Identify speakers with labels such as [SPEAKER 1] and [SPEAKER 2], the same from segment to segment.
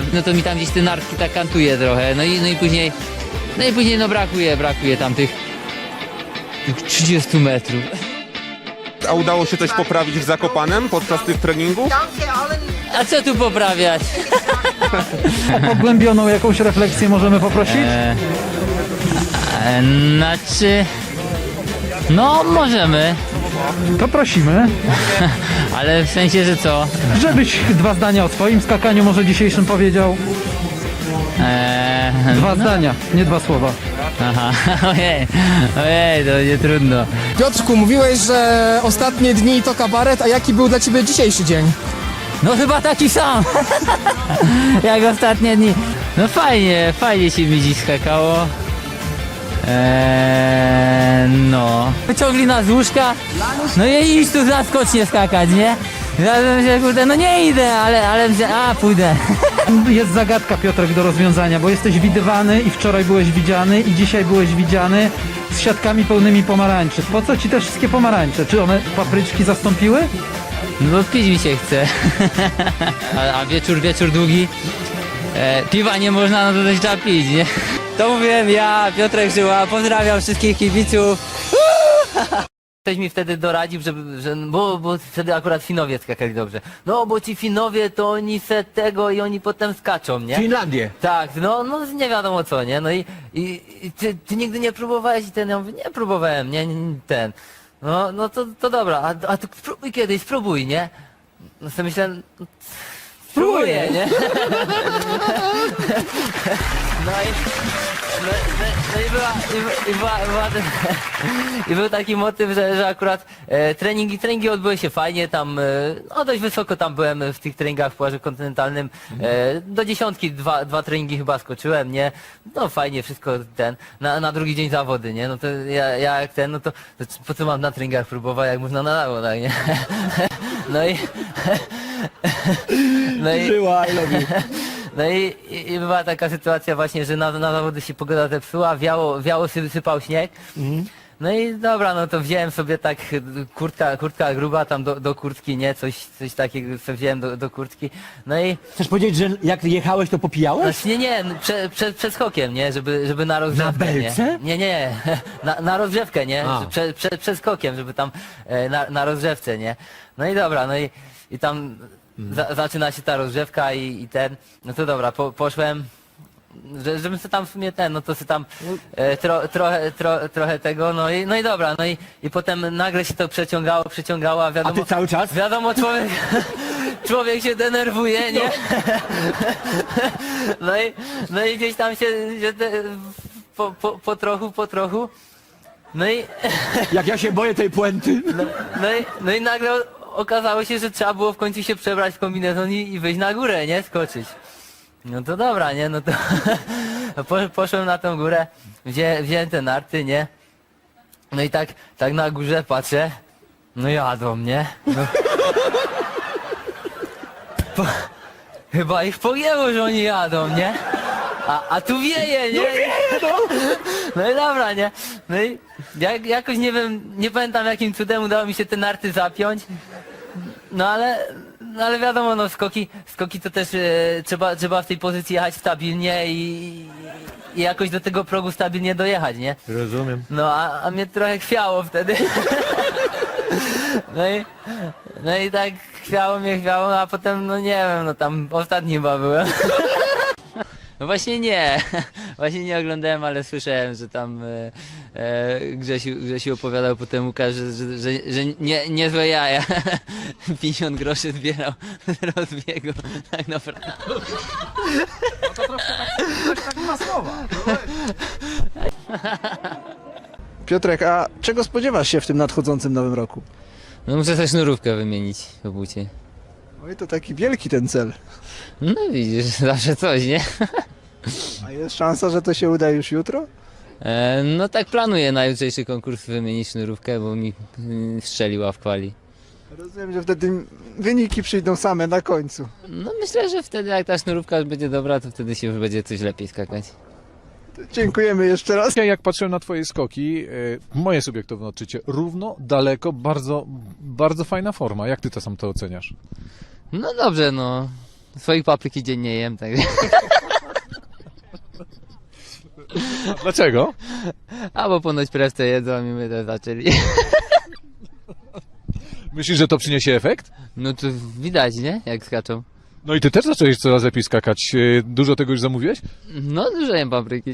[SPEAKER 1] no to mi tam gdzieś te nartki tak kantuje trochę, no i później no brakuje tam tych 30 metrów.
[SPEAKER 2] A udało się coś poprawić w Zakopanem podczas tych treningów?
[SPEAKER 1] A co tu poprawiać?
[SPEAKER 3] Pogłębioną jakąś refleksję możemy poprosić?
[SPEAKER 1] Znaczy... No, możemy,
[SPEAKER 3] To prosimy,
[SPEAKER 1] ale w sensie, że co?
[SPEAKER 3] żebyś 2 zdania o swoim skakaniu może dzisiejszym powiedział. 2 zdania, nie 2 słowa.
[SPEAKER 1] Aha, ojej, to nie trudno.
[SPEAKER 4] Piotrku, mówiłeś, że ostatnie dni to kabaret, a jaki był dla ciebie dzisiejszy dzień?
[SPEAKER 1] No chyba taki sam, jak ostatnie dni. No fajnie się mi dziś skakało. No. Wyciągli nas z łóżka, no i idź tu zaskocznie skakać, nie? Ja bym się, kurde, no nie idę, ale pójdę.
[SPEAKER 3] Jest zagadka, Piotrek, do rozwiązania, bo jesteś widywany i wczoraj byłeś widziany i dzisiaj byłeś widziany z siatkami pełnymi pomarańczy. Po co ci te wszystkie pomarańcze? Czy one papryczki zastąpiły?
[SPEAKER 1] No bo pić mi się chce. A wieczór długi. Piwa nie można, no to też trzeba pić, nie? To mówiłem ja, Piotrek Żyła, pozdrawiam wszystkich kibiców. Ktoś mi wtedy doradził, bo wtedy akurat Finowie skakali dobrze. No bo ci Finowie to oni se tego i oni potem skaczą, nie?
[SPEAKER 5] Finlandię.
[SPEAKER 1] Tak, no nie wiadomo co, nie? No i ty nigdy nie próbowałeś i ten, ja mówię, nie próbowałem, ten. No to dobra, a ty spróbuj kiedyś, spróbuj, nie? No sobie myślę, spróbuję, nie? I był taki motyw, że akurat treningi odbyły się fajnie, tam no dość wysoko tam byłem w tych treningach w Płażu Kontynentalnym, do 10 dwa treningi chyba skoczyłem, nie? No fajnie, wszystko na drugi dzień zawody, nie? No to ja jak no to po co mam na treningach próbować, jak można na zawodach, nie?
[SPEAKER 5] Żyła, I love you.
[SPEAKER 1] No i była taka sytuacja właśnie, że na zawody się pogoda zepsuła, wiało sypał śnieg. No i dobra, no to wziąłem sobie tak kurtka gruba tam do kurtki, nie? Coś takiego sobie wziąłem do kurtki. No i...
[SPEAKER 5] Chcesz powiedzieć, że jak jechałeś, to popijałeś?
[SPEAKER 1] Znaczy nie, przed skokiem, nie? Żeby na rozgrzewkę,
[SPEAKER 5] Na belce?
[SPEAKER 1] Nie. Na rozgrzewkę, nie?
[SPEAKER 5] A.
[SPEAKER 1] Przed skokiem, żeby tam na rozgrzewce, nie? No i dobra, no i tam zaczyna się ta rozgrzewka i no to dobra, poszłem, żebym sobie tam w sumie no to sobie tam trochę tego, no i dobra, no i potem nagle się to przeciągało, a wiadomo...
[SPEAKER 5] A ty cały czas?
[SPEAKER 1] Wiadomo, człowiek się denerwuje, nie? No i gdzieś tam się po trochu, no i...
[SPEAKER 5] Jak ja się boję tej puenty.
[SPEAKER 1] No i nagle okazało się, że trzeba było w końcu się przebrać w kombinezon i wyjść na górę, nie? Skoczyć. No to dobra, nie? No to poszłem na tą górę, wziąłem te narty, nie? No i tak na górze patrzę, no jadą, nie? No. Chyba ich pogięło, że oni jadą, nie? A tu wieje, nie? No i dobra, nie? No i jakoś nie wiem, nie pamiętam jakim cudem udało mi się te narty zapiąć. No ale wiadomo, no skoki to też trzeba w tej pozycji jechać stabilnie i jakoś do tego progu stabilnie dojechać, nie?
[SPEAKER 5] Rozumiem.
[SPEAKER 1] No a mnie trochę chwiało wtedy. No i tak chwiało, a potem no nie wiem, no tam ostatni chyba byłem. No właśnie nie oglądałem, ale słyszałem, że tam Grzesiu opowiadał potem Łukasz, że niezłe jaja. 50 groszy zbierał z rozbiegu, tak naprawdę.
[SPEAKER 3] To troszkę tak ma słowa.
[SPEAKER 6] Piotrek, a czego spodziewasz się w tym nadchodzącym nowym roku?
[SPEAKER 1] No muszę sobie sznurówkę wymienić w bucie.
[SPEAKER 6] Oj, to taki wielki ten cel.
[SPEAKER 1] No widzisz, zawsze coś, nie?
[SPEAKER 6] A jest szansa, że to się uda już jutro?
[SPEAKER 1] No tak planuję na jutrzejszy konkurs wymienić sznurówkę, bo mi strzeliła w kwali.
[SPEAKER 6] Rozumiem, że wtedy wyniki przyjdą same na końcu.
[SPEAKER 1] No myślę, że wtedy jak ta sznurówka już będzie dobra, to wtedy się już będzie coś lepiej skakać.
[SPEAKER 6] Dziękujemy jeszcze raz.
[SPEAKER 7] Ja jak patrzyłem na twoje skoki, moje subiektywne odczucie, równo, daleko, bardzo, bardzo fajna forma. Jak ty to sam to oceniasz?
[SPEAKER 1] No dobrze, no. Swoich papryki dziennie jem, także.
[SPEAKER 7] Dlaczego?
[SPEAKER 1] A bo ponoć prewce jedzą i my też zaczęli.
[SPEAKER 7] Myślisz, że to przyniesie efekt?
[SPEAKER 1] No to widać, nie? Jak skaczą.
[SPEAKER 7] No i ty też zacząłeś coraz lepiej skakać. Dużo tego już zamówiłeś?
[SPEAKER 1] No dużo jem papryki.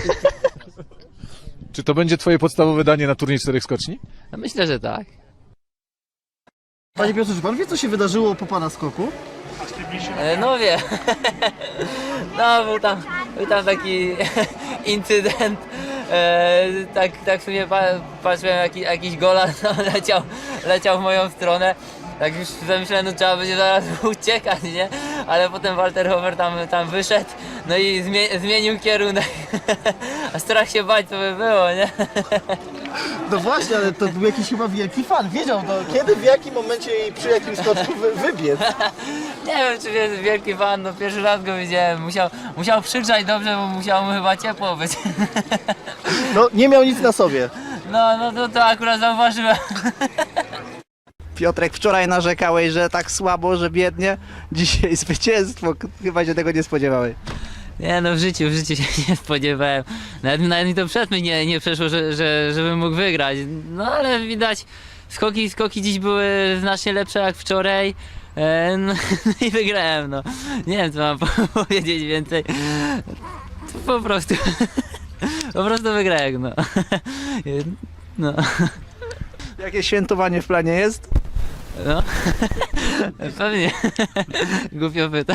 [SPEAKER 7] Czy to będzie twoje podstawowe danie na turniej 4 skoczni?
[SPEAKER 1] No myślę, że tak.
[SPEAKER 6] Panie Piotrze, czy pan wie, co się wydarzyło po pana skoku?
[SPEAKER 1] No wie. No był tam taki incydent. Tak w sumie patrzyłem, jakiś gola leciał w moją stronę. Tak już zamyślałem, no trzeba będzie zaraz uciekać, nie? Ale potem Walter Hofer tam wyszedł, no i zmienił kierunek. A strach się bać to by było, nie?
[SPEAKER 6] No właśnie, ale to był jakiś chyba wielki fan. Wiedział, no, kiedy, w jakim momencie i przy jakim skoczku wybiec.
[SPEAKER 1] Nie wiem, czy jest wielki fan, no pierwszy raz go widziałem. Musiał przygrzać dobrze, bo musiało mu chyba ciepło być.
[SPEAKER 6] No, nie miał nic na sobie.
[SPEAKER 1] No to akurat zauważyłem.
[SPEAKER 6] Piotrek, wczoraj narzekałeś, że tak słabo, że biednie. Dzisiaj zwycięstwo. Chyba się tego nie spodziewałeś.
[SPEAKER 1] Nie no, w życiu się nie spodziewałem. Nawet mi to przed mnie nie przeszło, żebym mógł wygrać. No ale widać, skoki dziś były znacznie lepsze jak wczoraj. No i wygrałem, no. Nie wiem, co mam powiedzieć więcej. Po prostu wygrałem, no. No.
[SPEAKER 6] Jakie świętowanie w planie jest?
[SPEAKER 1] No. Pewnie. Głupio pytasz.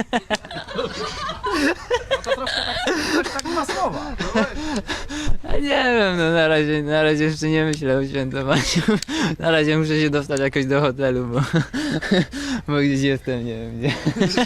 [SPEAKER 6] Tak ma słowa.
[SPEAKER 1] A nie wiem, no na razie jeszcze nie myślę o świętowaniu. Na razie muszę się dostać jakoś do hotelu, bo gdzieś jestem, nie wiem gdzie.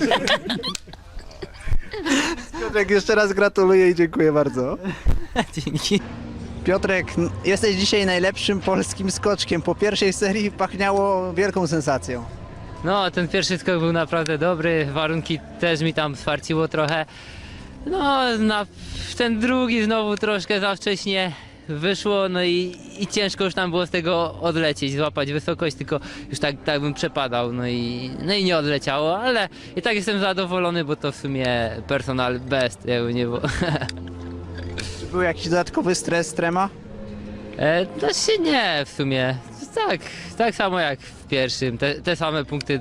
[SPEAKER 6] Piotrek, jeszcze raz gratuluję i dziękuję bardzo.
[SPEAKER 1] Dzięki.
[SPEAKER 6] Piotrek, jesteś dzisiaj najlepszym polskim skoczkiem. Po pierwszej serii pachniało wielką sensacją.
[SPEAKER 1] No, ten pierwszy skok był naprawdę dobry, warunki też mi tam swarciło trochę. No, ten drugi znowu troszkę za wcześnie wyszło, no i ciężko już tam było z tego odlecieć, złapać wysokość, tylko już tak bym przepadał, no i nie odleciało, ale i tak jestem zadowolony, bo to w sumie personal best, jakby nie było.
[SPEAKER 6] Czy był jakiś dodatkowy stres, trema?
[SPEAKER 1] To się nie, w sumie, tak samo jak w pierwszym, te same punkty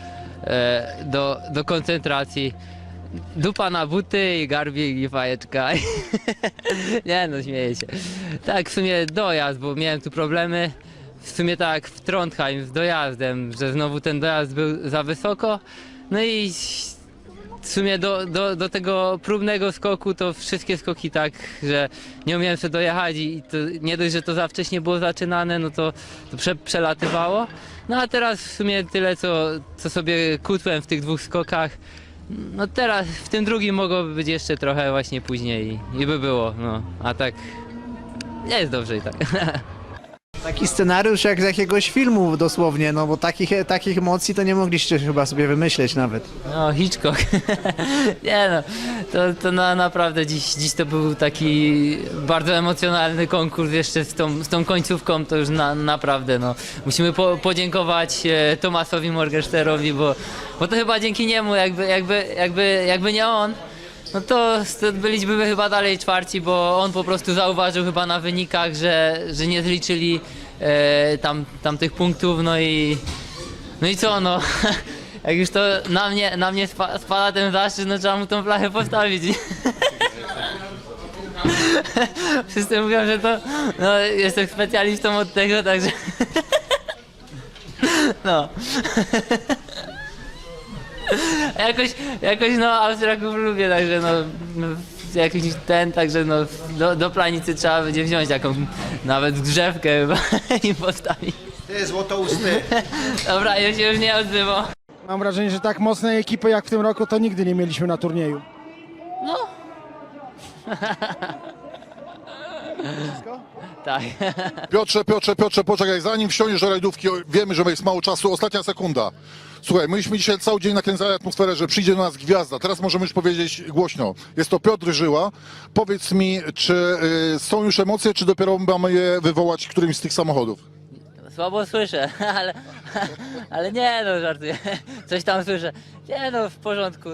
[SPEAKER 1] do koncentracji. Dupa na buty i garbik i fajeczka. Nie no, śmieję się. Tak, w sumie dojazd, bo miałem tu problemy. W sumie tak w Trondheim z dojazdem, że znowu ten dojazd był za wysoko. No i w sumie do tego próbnego skoku to wszystkie skoki tak, że nie umiałem sobie dojechać i to nie dość, że to za wcześnie było zaczynane, no to przelatywało. No a teraz w sumie tyle, co sobie kutłem w tych dwóch skokach. No teraz w tym drugim mogłoby być jeszcze trochę właśnie później i by było, no. A tak nie jest dobrze i tak.
[SPEAKER 6] Taki scenariusz jak z jakiegoś filmu dosłownie, no bo takich emocji to nie mogliście chyba sobie wymyśleć nawet.
[SPEAKER 1] No, Hitchcock. Nie no, to naprawdę dziś to był taki bardzo emocjonalny konkurs jeszcze z tą końcówką, to już naprawdę no. Musimy podziękować Tomasowi Morgensternowi, bo to chyba dzięki niemu, jakby nie on, no to byliśmy chyba dalej czwarci, bo on po prostu zauważył chyba na wynikach, że nie zliczyli tam tych punktów, no i co no, jak już to na mnie spada ten zaszczyt, no trzeba mu tą flachę postawić. Wszyscy mówią, że to, no jestem specjalistą od tego, także no. Jakoś no Austriaków lubię, także no jakiś także no do planicy trzeba będzie wziąć jakąś nawet drzewkę chyba i postawić.
[SPEAKER 6] Ty złotousty.
[SPEAKER 1] Dobra, ja się już nie odzywam.
[SPEAKER 8] Mam wrażenie, że tak mocnej ekipy jak w tym roku to nigdy nie mieliśmy na turnieju.
[SPEAKER 1] No. Tak.
[SPEAKER 9] Piotrze, poczekaj, zanim wsiądziesz do rajdówki, wiemy, że jest mało czasu, ostatnia sekunda. Słuchaj, myśmy dzisiaj cały dzień nakręcali atmosferę, że przyjdzie do nas gwiazda. Teraz możemy już powiedzieć głośno. Jest to Piotr Żyła. Powiedz mi, czy są już emocje, czy dopiero mamy je wywołać którymś z tych samochodów?
[SPEAKER 1] Słabo słyszę, ale nie no, żartuję. Coś tam słyszę. Nie no, w porządku.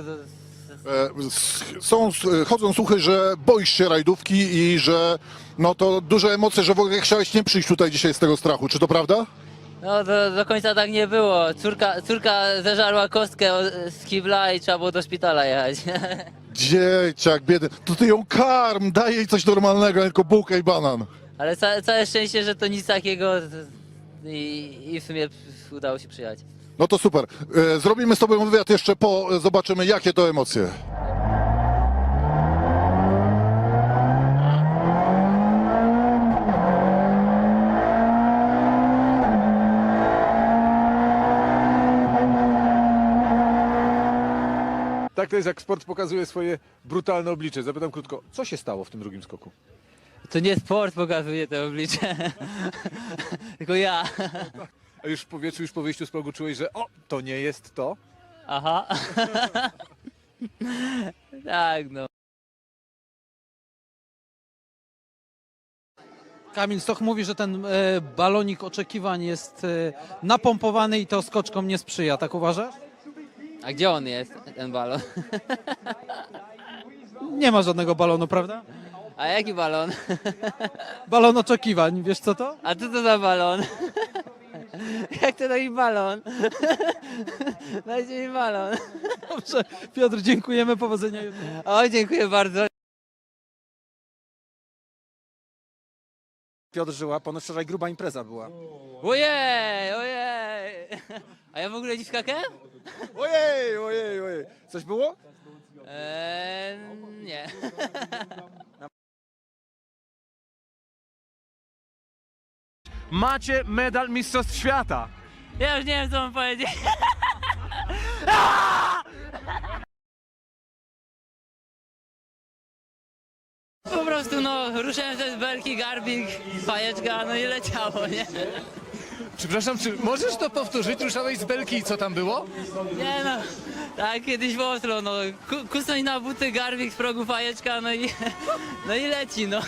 [SPEAKER 9] Chodzą słuchy, że boisz się rajdówki i że no to duże emocje, że w ogóle chciałeś nie przyjść tutaj dzisiaj z tego strachu. Czy to prawda?
[SPEAKER 1] No do końca tak nie było. Córka zeżarła kostkę z kibla i trzeba było do szpitala jechać.
[SPEAKER 9] Dzieciak biedny. To ty ją karm, daj jej coś normalnego, tylko bułkę i banan.
[SPEAKER 1] Ale całe szczęście, że to nic takiego i w sumie udało się przyjechać.
[SPEAKER 9] No to super. Zrobimy z tobą wywiad jeszcze zobaczymy jakie to emocje.
[SPEAKER 7] Tak to jest, jak sport pokazuje swoje brutalne oblicze. Zapytam krótko, co się stało w tym drugim skoku?
[SPEAKER 1] To nie sport pokazuje te oblicze, tylko ja.
[SPEAKER 7] A już w powietrzu, już po wyjściu z progu czułeś, że to nie jest to?
[SPEAKER 1] Aha. Tak, no.
[SPEAKER 3] Kamil Stoch mówi, że ten balonik oczekiwań jest napompowany i to skoczkom nie sprzyja. Tak uważasz?
[SPEAKER 1] A gdzie on jest, ten balon?
[SPEAKER 3] Nie ma żadnego balonu, prawda?
[SPEAKER 1] A jaki balon?
[SPEAKER 3] Balon oczekiwań, wiesz co to?
[SPEAKER 1] A co to za balon? Jak to taki balon? Dajcie mi balon.
[SPEAKER 3] Dobrze, Piotr, dziękujemy, powodzenia jutro.
[SPEAKER 1] O, dziękuję bardzo.
[SPEAKER 8] Piotr Żyła, ponoć wczoraj gruba impreza była.
[SPEAKER 1] Ojej, ojej. A ja w ogóle nie skakałem?
[SPEAKER 8] Ojej. Coś było?
[SPEAKER 1] Nie.
[SPEAKER 2] Macie medal Mistrzostw Świata.
[SPEAKER 1] Ja już nie wiem, co mam powiedzieć. Po prostu no, ruszałem ze belki, garbik, fajeczka, no i leciało, nie?
[SPEAKER 2] Przepraszam, czy możesz to powtórzyć? Ruszałeś z belki i co tam było?
[SPEAKER 1] Nie no, tak kiedyś w Oslo, no, kusnąć na buty, garbik z progu, fajeczka, no i leci, no.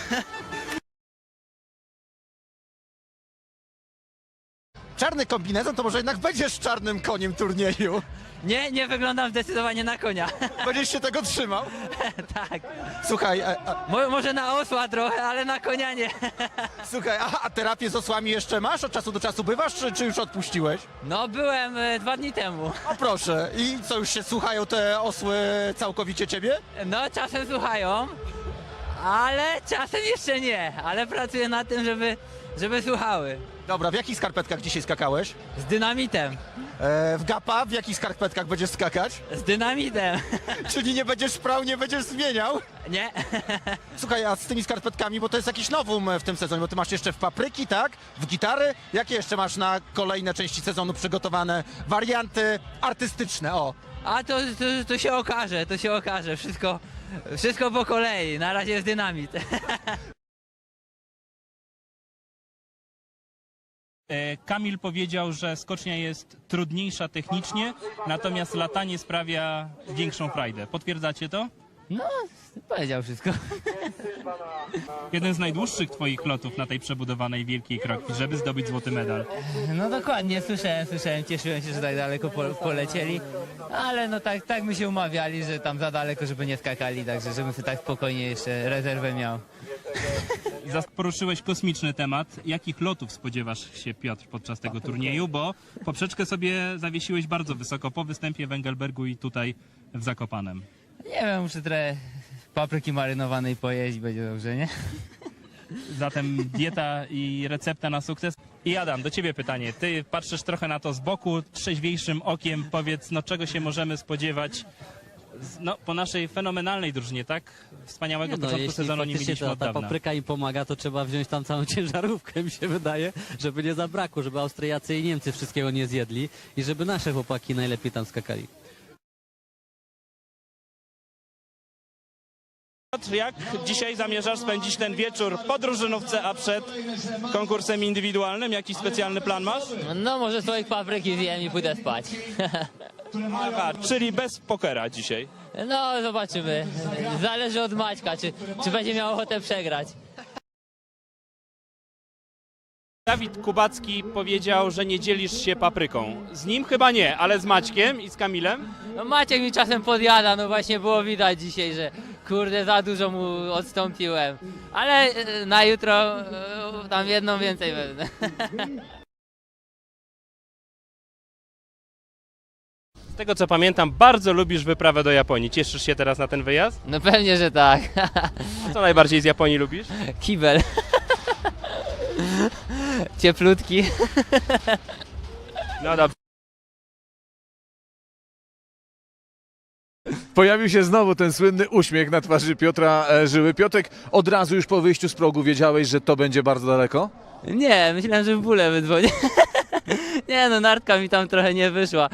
[SPEAKER 8] Czarny kombinezon to może jednak będziesz czarnym koniem turnieju.
[SPEAKER 1] Nie wyglądam zdecydowanie na konia.
[SPEAKER 8] Będziesz się tego trzymał?
[SPEAKER 1] Tak.
[SPEAKER 8] Słuchaj,
[SPEAKER 1] Może na osła trochę, ale na konia nie.
[SPEAKER 8] słuchaj, a terapię z osłami jeszcze masz? Od czasu do czasu bywasz, czy już odpuściłeś?
[SPEAKER 1] No byłem 2 dni temu.
[SPEAKER 8] O proszę, i co, już się słuchają te osły całkowicie ciebie?
[SPEAKER 1] No czasem słuchają, ale czasem jeszcze nie. Ale pracuję nad tym, żeby słuchały.
[SPEAKER 8] Dobra, w jakich skarpetkach dzisiaj skakałeś?
[SPEAKER 1] Z dynamitem.
[SPEAKER 8] W gapa, w jakich skarpetkach będziesz skakać?
[SPEAKER 1] Z dynamitem.
[SPEAKER 8] Czyli nie będziesz prał, nie będziesz zmieniał?
[SPEAKER 1] Nie.
[SPEAKER 8] Słuchaj, a z tymi skarpetkami, bo to jest jakiś nowum w tym sezonie, bo ty masz jeszcze w papryki, tak? W gitary? Jakie jeszcze masz na kolejne części sezonu przygotowane warianty artystyczne? O!
[SPEAKER 1] A to się okaże, to się okaże. Wszystko po kolei. Na razie jest dynamit.
[SPEAKER 10] Kamil powiedział, że skocznia jest trudniejsza technicznie, natomiast latanie sprawia większą frajdę. Potwierdzacie to?
[SPEAKER 1] No, powiedział wszystko.
[SPEAKER 10] Jeden z najdłuższych twoich lotów na tej przebudowanej wielkiej krokwi, żeby zdobyć złoty medal.
[SPEAKER 1] No dokładnie, słyszałem, cieszyłem się, że tak daleko polecieli, ale no tak my się umawiali, że tam za daleko, żeby nie skakali, także żebym sobie tak spokojnie jeszcze rezerwę miał.
[SPEAKER 10] Poruszyłeś kosmiczny temat. Jakich lotów spodziewasz się, Piotr, podczas tego turnieju? Bo poprzeczkę sobie zawiesiłeś bardzo wysoko po występie w Engelbergu i tutaj w Zakopanem.
[SPEAKER 1] Nie wiem, muszę trochę papryki marynowanej pojeść, będzie dobrze, nie?
[SPEAKER 10] Zatem dieta i recepta na sukces. I Adam, do ciebie pytanie. Ty patrzysz trochę na to z boku, trzeźwiejszym okiem. Powiedz, no czego się możemy spodziewać po naszej fenomenalnej drużynie, tak? Wspaniałego początku sezonu nie mieliśmy od dawna.
[SPEAKER 11] Ta papryka im pomaga, to trzeba wziąć tam całą ciężarówkę, mi się wydaje, żeby nie zabrakło, żeby Austriacy i Niemcy wszystkiego nie zjedli i żeby nasze chłopaki najlepiej tam skakali.
[SPEAKER 10] Piotr, jak dzisiaj zamierzasz spędzić ten wieczór po drużynówce, a przed konkursem indywidualnym? Jakiś specjalny plan masz?
[SPEAKER 1] No może swoich papryki zjem i pójdę spać.
[SPEAKER 10] Aha, czyli bez pokera dzisiaj.
[SPEAKER 1] No zobaczymy. Zależy od Maćka, czy będzie miał ochotę przegrać.
[SPEAKER 10] Dawid Kubacki powiedział, że nie dzielisz się papryką. Z nim chyba nie, ale z Maćkiem i z Kamilem?
[SPEAKER 1] No Maciek mi czasem podjada, no właśnie było widać dzisiaj, że kurde za dużo mu odstąpiłem. Ale na jutro tam jedną więcej wezmę.
[SPEAKER 10] Z tego co pamiętam, bardzo lubisz wyprawę do Japonii. Cieszysz się teraz na ten wyjazd?
[SPEAKER 1] No pewnie, że tak.
[SPEAKER 10] A co najbardziej z Japonii lubisz?
[SPEAKER 1] Kibel. Cieplutki.
[SPEAKER 10] No dobrze.
[SPEAKER 7] Pojawił się znowu ten słynny uśmiech na twarzy Piotra Żyły. Piotrek, od razu już po wyjściu z progu wiedziałeś, że to będzie bardzo daleko?
[SPEAKER 1] Nie, myślałem, że w bóle wydzwonię. Nie no, nartka mi tam trochę nie wyszła.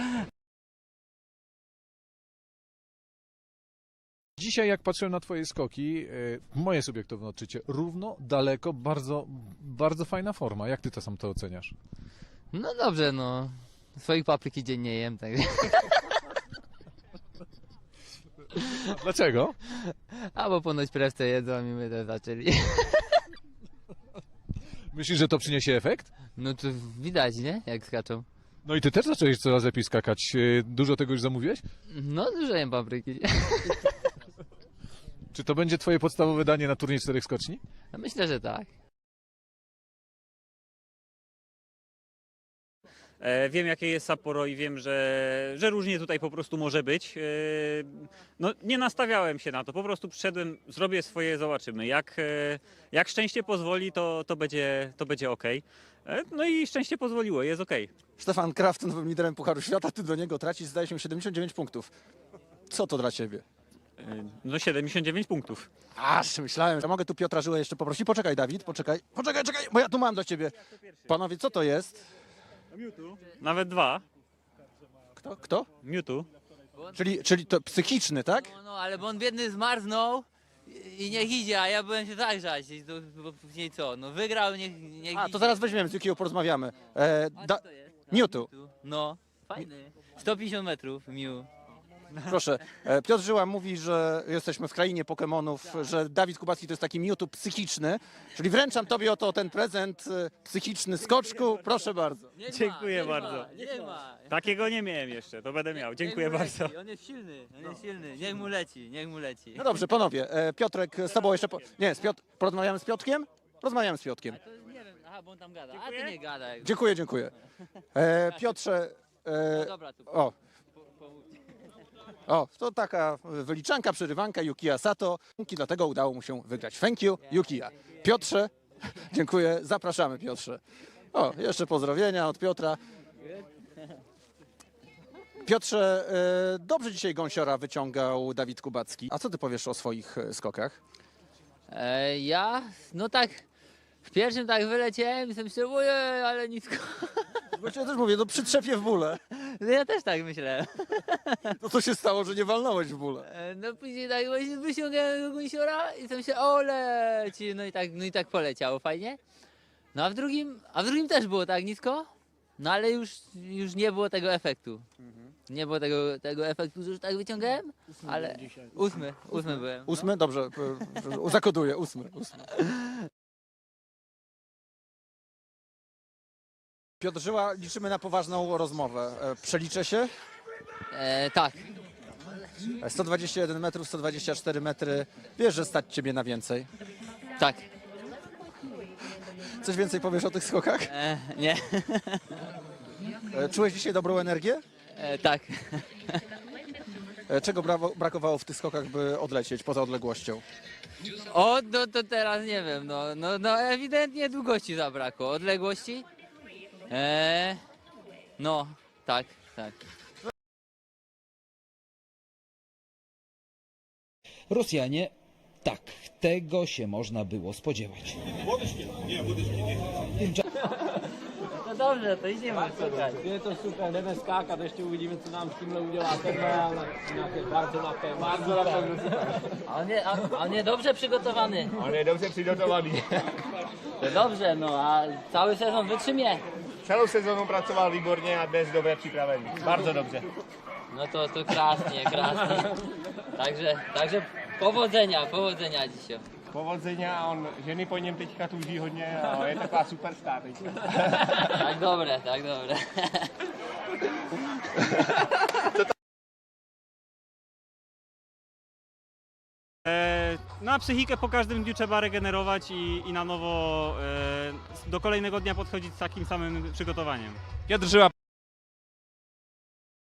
[SPEAKER 7] Dzisiaj jak patrzyłem na twoje skoki, moje subiektywne odczucie, równo, daleko, bardzo, bardzo fajna forma. Jak ty to sam to oceniasz?
[SPEAKER 1] No dobrze, no. Swoich papryki dziennie jem, tak.
[SPEAKER 7] Dlaczego?
[SPEAKER 1] A bo ponoć prewce jedzą i my też zaczęli.
[SPEAKER 7] Myślisz, że to przyniesie efekt?
[SPEAKER 1] No to widać, nie? Jak skaczą.
[SPEAKER 7] No i ty też zacząłeś coraz lepiej skakać. Dużo tego już zamówiłeś?
[SPEAKER 1] No dużo jem papryki.
[SPEAKER 7] Czy to będzie twoje podstawowe danie na turniej 4 skoczni?
[SPEAKER 1] No myślę, że tak.
[SPEAKER 12] Wiem, jakie jest Sapporo i wiem, że różnie tutaj po prostu może być. No, nie nastawiałem się na to, po prostu przyszedłem, zrobię swoje, zobaczymy. Jak szczęście pozwoli, to będzie ok. No i szczęście pozwoliło, jest ok.
[SPEAKER 8] Stefan Kraft, nowym liderem Pucharu Świata, ty do niego tracisz, zdaje się, 79 punktów. Co to dla ciebie?
[SPEAKER 12] No 79 punktów.
[SPEAKER 8] Aż myślałem, że mogę tu Piotra Żyłę jeszcze poprosić. Poczekaj, Dawid, poczekaj, bo ja tu mam dla ciebie. Panowie, co to jest?
[SPEAKER 12] Nawet 2.
[SPEAKER 8] Kto?
[SPEAKER 12] Mewtwo.
[SPEAKER 8] Czyli to psychiczny, tak?
[SPEAKER 1] No, ale bo on biedny zmarznął i niech idzie, a ja byłem się zagrzać. Bo później co? No wygrał, niech
[SPEAKER 8] A,
[SPEAKER 1] idzie.
[SPEAKER 8] to zaraz weźmiemy, z Yukio porozmawiamy. Mewtwo.
[SPEAKER 1] No, fajny. 150 metrów, Mew.
[SPEAKER 8] Proszę, Piotr Żyła mówi, że jesteśmy w krainie Pokemonów, że Dawid Kubacki to jest taki Mewtwo psychiczny, czyli wręczam tobie oto ten prezent psychiczny skoczku, proszę bardzo.
[SPEAKER 12] Dziękuję bardzo.
[SPEAKER 1] Nie ma.
[SPEAKER 12] Takiego nie miałem jeszcze, to będę miał. Dziękuję bardzo.
[SPEAKER 1] On jest silny, Niech mu leci, niech mu leci.
[SPEAKER 8] No dobrze, panowie, Piotrek z tobą jeszcze... Nie, porozmawiamy z Piotrkiem? Rozmawiamy z Piotrkiem.
[SPEAKER 1] To nie wiem, aha, bo on tam gada. A ty nie gadaj.
[SPEAKER 8] Dziękuję. Piotrze...
[SPEAKER 1] No dobra, tu
[SPEAKER 8] to taka wyliczanka, przerywanka Yukiya Sato. Dlatego udało mu się wygrać. Thank you, Yukiya. Piotrze, dziękuję, zapraszamy Piotrze. Jeszcze pozdrowienia od Piotra. Piotrze, dobrze dzisiaj gąsiora wyciągał Dawid Kubacki. A co ty powiesz o swoich skokach?
[SPEAKER 1] Ja, no tak, w pierwszym tak wyleciałem i sobie myślałem, ojej, ale nisko.
[SPEAKER 8] Właśnie ja też mówię, przytrzepie w bóle.
[SPEAKER 1] No ja też tak myślałem.
[SPEAKER 8] No co się stało, że nie walnąłeś w bóle?
[SPEAKER 1] No później tak właśnie wyciągałem do gąsiora i sobie myślałem, o leci, no i tak poleciało fajnie. No a w drugim też było tak nisko, no ale już nie było tego efektu. Nie było tego efektu, że już tak wyciągałem, ale ósmy byłem.
[SPEAKER 8] 8? Dobrze, zakoduję, 8. Piotr Żyła, liczymy na poważną rozmowę. Przeliczę się?
[SPEAKER 1] Tak.
[SPEAKER 8] 121 metrów, 124 metry. Wiesz, że stać ciebie na więcej.
[SPEAKER 1] Tak.
[SPEAKER 8] Coś więcej powiesz o tych skokach?
[SPEAKER 1] Nie.
[SPEAKER 8] Czułeś dzisiaj dobrą energię?
[SPEAKER 1] Tak.
[SPEAKER 8] Czego brakowało w tych skokach, by odlecieć poza odległością?
[SPEAKER 1] No to teraz nie wiem, no ewidentnie długości zabrakło. Odległości? No, tak.
[SPEAKER 5] Rosjanie, tak, tego się można było spodziewać.
[SPEAKER 1] No dobrze, to idziemy szukać.
[SPEAKER 5] To super, będę skakał, to jeszcze uvidíme, co nám s tímhle udělá ten bardzo na pewno.
[SPEAKER 1] A on jest dobrze przygotowany.
[SPEAKER 5] On je dobře přigotovaný.
[SPEAKER 1] To dobrze, no a cały sezon wytrzymie.
[SPEAKER 5] Celou sezónu pracoval výborně a dnes dobře připravený. Bardzo dobře.
[SPEAKER 1] No to krásnie. Także powodzenia dzisiaj.
[SPEAKER 5] Powodzenia, on ženy po něm teďka tuží hodně a je taková superstar teďka.
[SPEAKER 1] Tak dobre, tak dobre.
[SPEAKER 12] Na psychikę po każdym dniu trzeba regenerować i na nowo do kolejnego dnia podchodzić z takim samym przygotowaniem.
[SPEAKER 5] Piotr Żyła